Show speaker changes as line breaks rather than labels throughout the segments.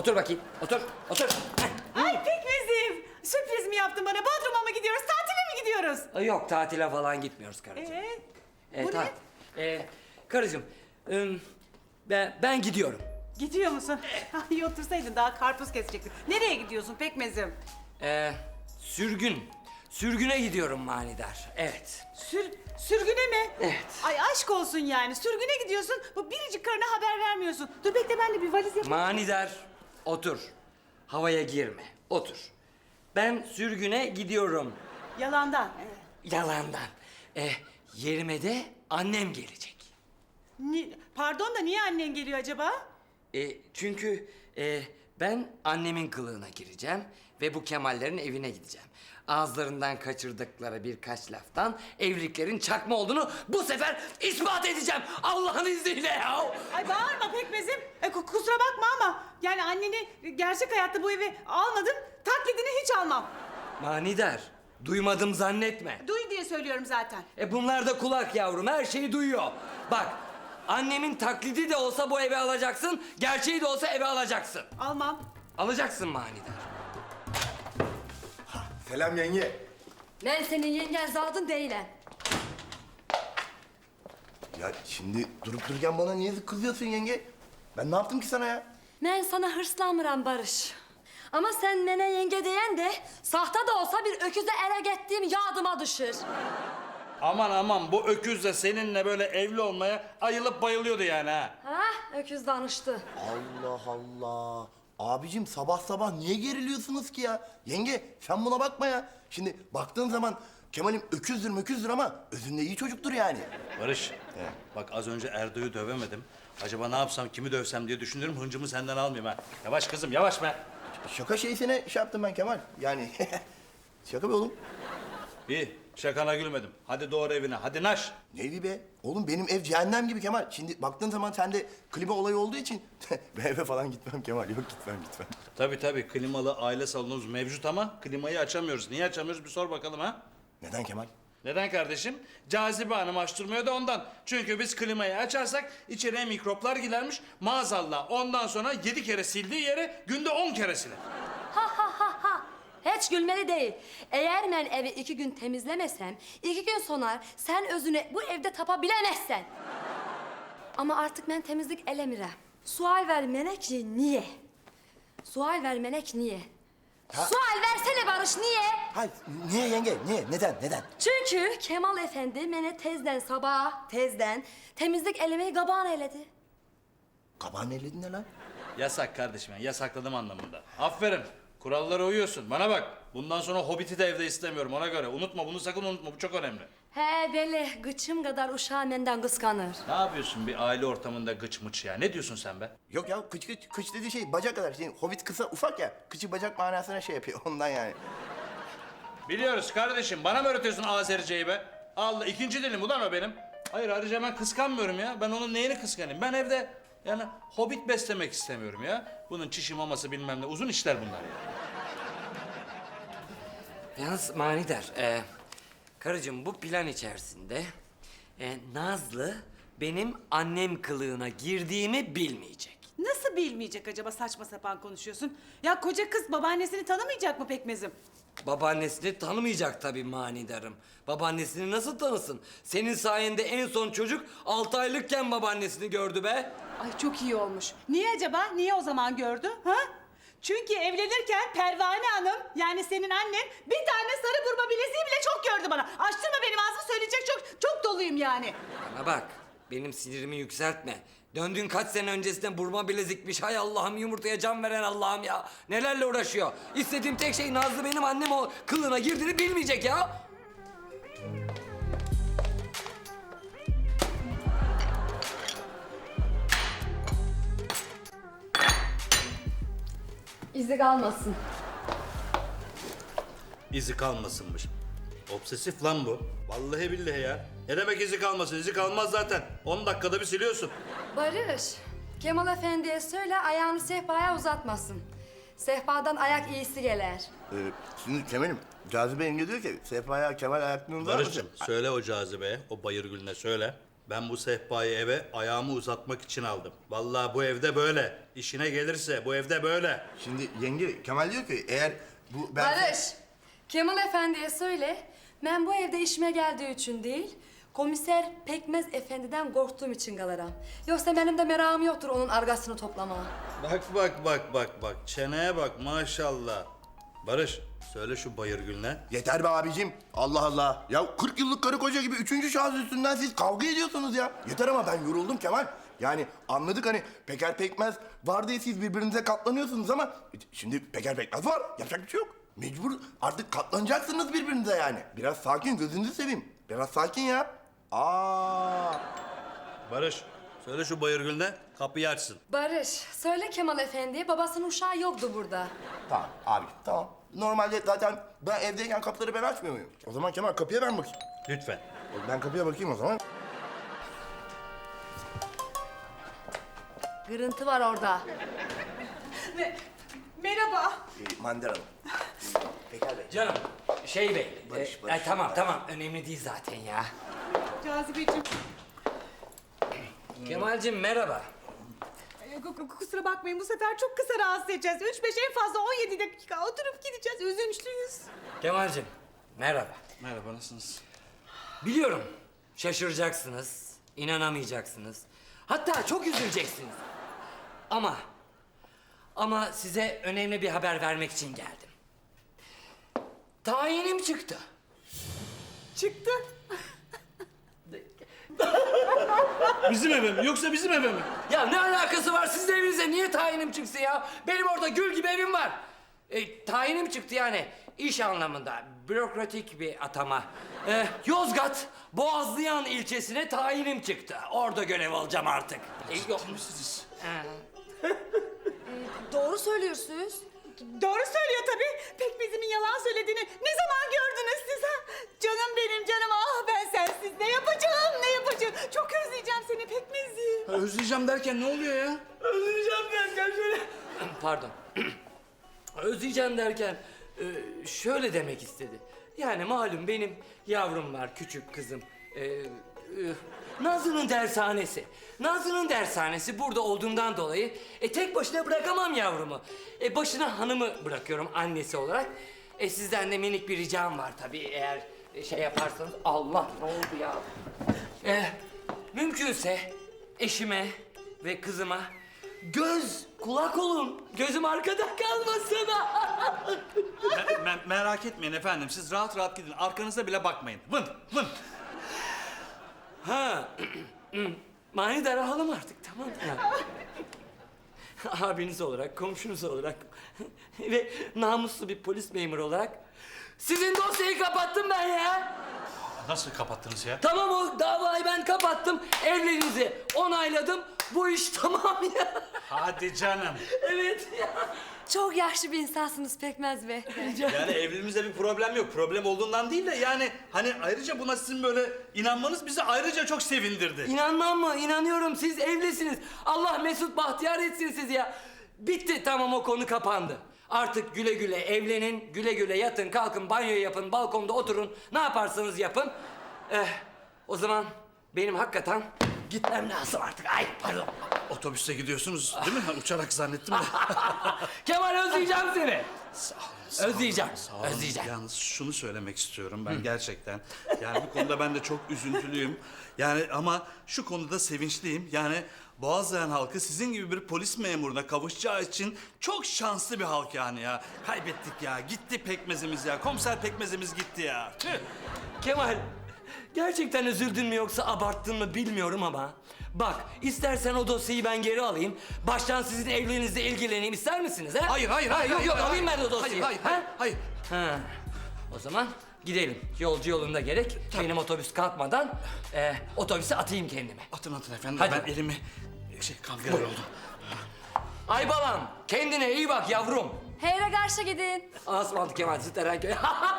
Otur bakayım. Otur. Otur.
Ay Pekmezim. Sürpriz mi yaptın bana? Bodrum'a mı gidiyoruz? Tatile mi gidiyoruz?
Yok, tatile falan gitmiyoruz karıcığım.
Bu ne?
Karıcığım, ben gidiyorum.
Gidiyor musun? İyi otursaydın daha karpuz kesecektik. Nereye gidiyorsun Pekmezim?
Sürgüne gidiyorum manidar. Evet.
Sürgüne mi?
Evet.
Ay aşk olsun yani. Sürgüne gidiyorsun. Bu biricik karına haber vermiyorsun. Dur bekle ben de bir valiz yapayım.
Manidar, otur. Havaya girme. Otur. Ben sürgüne gidiyorum.
Yalandan.
Yalandan. Yerime de annem gelecek.
Pardon da niye annen geliyor acaba?
Çünkü ben annemin kılığına gireceğim ve bu Kemallerin evine gideceğim. Ağızlarından kaçırdıkları birkaç laftan evliliklerin çakma olduğunu bu sefer ispat edeceğim. Allah'ın izniyle ya.
Ay bağırma Pekmezim. Kusura bakma ama yani anneni gerçek hayatta bu eve almadım. Taklidini hiç almam.
Manidar, duymadım zannetme.
Duy diye söylüyorum zaten.
Bunlar da kulak yavrum, her şeyi duyuyor. Bak, annemin taklidi de olsa bu eve alacaksın, gerçeği de olsa eve alacaksın.
Almam.
Alacaksın manidar.
Selam yenge.
Ben senin yengen zadın değilim.
Ya şimdi durup dururken bana niye kızıyorsun yenge? Ben ne yaptım ki sana ya?
Ben sana hırslanmıram Barış. Ama sen mene yenge diyen de sahte de olsa bir öküze ele gittiğim yadıma düşür.
Aman aman bu öküz de seninle böyle evli olmaya ayılıp bayılıyordu yani ha.
Ha, öküz danıştı.
Allah Allah. Abicim sabah sabah niye geriliyorsunuz ki ya? Yenge sen buna bakma ya. Şimdi baktığın zaman Kemal'im öküzdür ama özünde iyi çocuktur yani.
Barış, bak az önce Erdo'yu dövemedim. Acaba ne yapsam, kimi dövsem diye düşünüyorum. Hıncımı senden almayayım ha. Yavaş kızım, yavaş be.
Şaka şeysine şey yaptım ben Kemal. Yani şaka be oğlum.
İyi, şakana gülmedim. Hadi doğru evine, hadi naş.
Neydi be? Oğlum benim ev cehennem gibi Kemal. Şimdi baktığın zaman sende klima olayı olduğu için ben eve falan gitmem Kemal. Yok gitmem.
Tabii klimalı aile salonumuz mevcut ama klimayı açamıyoruz. Niye açamıyoruz bir sor bakalım ha.
Neden Kemal?
Neden kardeşim? Cazibe Hanım açtırmıyor da ondan. Çünkü biz klimayı açarsak içeriye mikroplar girermiş. Maazallah ondan sonra 7 kere sildiği yere günde 10 kere siler.
Ha. Hiç gülmeli değil. Eğer ben evi 2 gün temizlemesem, 2 gün sonra sen özüne bu evde tapabilemezsen. Ama artık ben temizlik elemirem. Sual vermenek niye? Sual vermenek niye? Sual versene Barış niye?
Hayır, niye yenge? Niye? Neden?
Çünkü Kemal Efendi beni tezden temizlik elemeyi gabağın eyledi.
Kabağın elledin ne lan?
Yasak kardeşim, yani yasakladım anlamında. Aferin, kurallara uyuyorsun. Bana bak, bundan sonra Hobbit'i de evde istemiyorum ona göre. Unutma, bunu sakın unutma, bu çok önemli.
He böyle gıçım kadar uşağım benden kıskanır.
Ne yapıyorsun bir aile ortamında gıç mıç ya? Ne diyorsun sen be?
Yok ya kıç dediği şey bacak kadar. Şimdi hobbit kısa ufak ya. Kıçı bacak manasına şey yapıyor ondan yani.
Biliyoruz kardeşim, bana mı öğretiyorsun Azerice'yi be? Allah, ikinci dilim ulan o benim. Hayır ayrıca ben kıskanmıyorum ya. Ben onun neyini kıskanayım? Ben evde yani hobbit beslemek istemiyorum ya. Bunun çişi maması bilmem ne uzun işler bunlar ya.
Yalnız manidar, karıcığım bu plan içerisinde Nazlı benim annem kılığına girdiğimi bilmeyecek.
Nasıl bilmeyecek acaba saçma sapan konuşuyorsun? Ya koca kız babaannesini tanımayacak mı Pekmezim?
Babaannesini tanımayacak tabii manidarım. Babaannesini nasıl tanısın? Senin sayende en son çocuk 6 aylıkken babaannesini gördü be.
Ay çok iyi olmuş. Niye acaba? Niye o zaman gördü? Ha? Çünkü evlenirken Pervane Hanım yani senin annen bir tane sarı burma bileziği bile çok gördü bana. Açtırma benim ağzımı söyleyecek çok doluyum yani.
Bana bak, benim sinirimi yükseltme. Döndüğün kaç sene öncesinde burma bilezikmiş. Hay Allah'ım, yumurtaya can veren Allah'ım ya. Nelerle uğraşıyor. İstediğim tek şey Nazlı benim annem o kılığına girdiğini bilmeyecek ya.
İzi kalmasın.
İzi kalmasınmış. Obsesif lan bu. Vallahi billahi ya. Ne demek izi kalmasın? İzi kalmaz zaten. 10 dakikada bir siliyorsun.
Barış, Kemal Efendi'ye söyle ayağını sehpaya uzatmasın. Sehpadan ayak iyisi gelir.
Şimdi Kemal'im Cazibe yenge diyor ki Sehpa'ya Kemal ayaklarını uzar mısın?
Barış'cığım söyle o cazibeye, o bayır gülüne söyle. Ben bu sehpayı eve ayağımı uzatmak için aldım. Vallahi bu evde böyle. İşine gelirse bu evde böyle.
Şimdi yenge Kemal diyor ki eğer bu ben...
Barış, Kemal Efendi'ye söyle. Ben bu evde işime geldiği için değil, komiser Pekmez Efendi'den korktuğum için kalıram. Yoksa benim de merakım yoktur onun argasını toplamaya.
Bak. Çeneye bak maşallah. Barış, söyle şu Bayırgül'üne.
Yeter be abicim. Allah Allah. Ya 40 yıllık karı koca gibi üçüncü şahıs üstünden siz kavga ediyorsunuz ya. Yeter ama ben yoruldum Kemal. Yani anladık hani Peker Pekmez var diye siz birbirinize katlanıyorsunuz ama şimdi Peker Pekmez var. Yapacak bir şey yok. Mecbur artık katlanacaksınız birbirinize yani. Biraz sakin, gözünüzü seveyim. Biraz sakin ya. Aa.
Barış, söyle şu Bayırgül'üne kapıyı açsın.
Barış, söyle Kemal Efendi'ye babasının uşağı yoktu burada.
Tamam abi tamam. Normalde zaten ben evdeyken kapıları ben açmıyor muyum? O zaman Kemal kapıya ben bakayım.
Lütfen.
Ben kapıya bakayım o zaman.
Gırıntı var orada.
Merhaba.
Mandar Hanım. Peker Bey.
Canım, şey bey.
Barış.
Tamam, önemli değil zaten ya.
Cazibeciğim.
Kemal'cim merhaba.
Kusura bakmayın bu sefer çok kısa rahatsız edeceğiz. 3-5 en fazla 17 dakika oturup gideceğiz. Üzünçlüyüz.
Kemal'cim merhaba.
Merhaba, nasılsınız?
Biliyorum şaşıracaksınız, inanamayacaksınız. Hatta çok üzüleceksiniz. Ama size önemli bir haber vermek için geldim. Tayinim çıktı.
Çıktı.
Bizim eve mi? Yoksa bizim eve mi?
Ya ne alakası var sizin evinize? Niye tayinim çıksın ya? Benim orada gül gibi evim var. Tayinim çıktı yani iş anlamında. Bürokratik bir atama. Yozgat Boğazlayan ilçesine tayinim çıktı. Orada görev alacağım artık. Yok.
Doğru söylüyorsunuz.
Doğru söylüyor tabii. Pekmezimin yalan söylediğini ne zaman gördünüz siz ha? Canım benim canım. Ah ben sensiz ne yapacağım. Çok özleyeceğim seni Pekmezi.
Özleyeceğim derken ne oluyor ya?
Özleyeceğim derken şöyle... Pardon. Özleyeceğim derken şöyle demek istedi. Yani malum benim yavrum var, küçük kızım. Nazlı'nın dershanesi. Nazlı'nın dershanesi burada olduğundan dolayı tek başına bırakamam yavrumu. Başına hanımı bırakıyorum annesi olarak. Sizden de minik bir ricam var tabii eğer şey yaparsanız. Allah ne oldu ya? Mümkünse eşime ve kızıma göz kulak olun. Gözüm arkada kalmasın.
Merak etmeyin efendim, siz rahat rahat gidin. Arkanıza bile bakmayın. Vın.
Ha. Manidar alalım artık tamam mı? Abiniz olarak, komşunuz olarak ve namuslu bir polis memuru olarak sizin dosyayı kapattım ben ya.
Nasıl kapattınız ya?
Tamam o davayı ben kapattım. Evliliğinizi onayladım. Bu iş tamam ya.
Hadi canım.
Evet ya.
Çok yaşlı bir insansınız Pekmez Bey.
Yani evliliğimizde bir problem yok. Problem olduğundan değil de yani hani ayrıca buna sizin böyle inanmanız bizi ayrıca çok sevindirdi.
İnanmam mı? İnanıyorum. Siz evlisiniz. Allah mesut bahtiyar etsin sizi ya. Bitti tamam o konu kapandı. Artık güle güle evlenin, güle güle yatın, kalkın, banyo yapın, balkonda oturun. Ne yaparsanız yapın. O zaman benim hakikaten gitmem lazım artık. Ay pardon.
Otobüste gidiyorsunuz değil mi? Uçarak zannettim de.
Kemal özleyeceğim seni.
Sağ olun.
Özleyeceğim.
Sağ olun.
Özleyeceğim.
Yalnız şunu söylemek istiyorum ben gerçekten. Yani bu konuda ben de çok üzüntülüyüm. Yani ama şu konuda sevinçliyim. Yani Boğazlayan halkı sizin gibi bir polis memuruna kavuşacağı için çok şanslı bir halk yani ya. Kaybettik ya. Gitti pekmezimiz ya. Komiser pekmezimiz gitti ya. Tüh.
Kemal, gerçekten üzüldün mü yoksa abarttın mı bilmiyorum ama... Bak, istersen o dosyayı ben geri alayım. Baştan sizin evliliğinizle ilgileneyim. İster misiniz ha?
Hayır.
Yok, alayım ben de o dosyayı.
Hayır.
Ha. O zaman gidelim. Yolcu yolunda gerek. Benim otobüs kalkmadan otobüse atayım kendimi.
Atın efendim.
Hadi.
Ben elimi kangren oldum.
Ay balam, kendine iyi bak yavrum.
Heyre karşı gidin.
Asmantı Kemal Ziterenköy.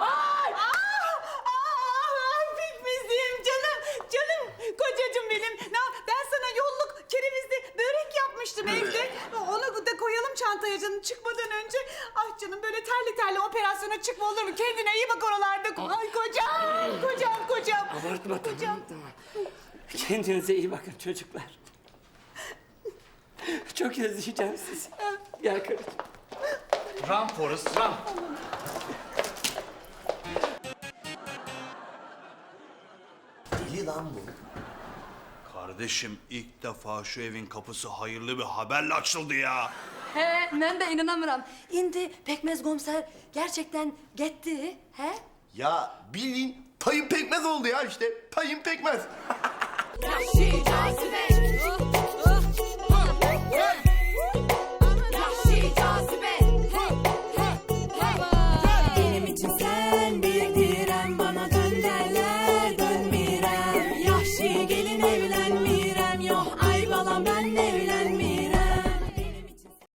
Pekmezim canım kocacığım benim. Ben sana yolluk kerevizli börek yapmıştım evde. Onu da koyalım çantaya canım çıkmadan önce. Ah canım böyle terli operasyona çıkma olur mu? Kendine iyi bak oralarda. Ay kocam.
Abartma tamam. Kendinize iyi bakın çocuklar. Çok özleyeceğim sizi. Gel karıcığım.
Run Forrest, run.
Deli lan bu.
Kardeşim ilk defa şu evin kapısı hayırlı bir haberle açıldı ya.
He, ben de inanamıyorum. İndi pekmez komiser gerçekten gitti. He?
Ya bildiğin payın pekmez oldu ya işte. Payın pekmez.
Yahşi cazibe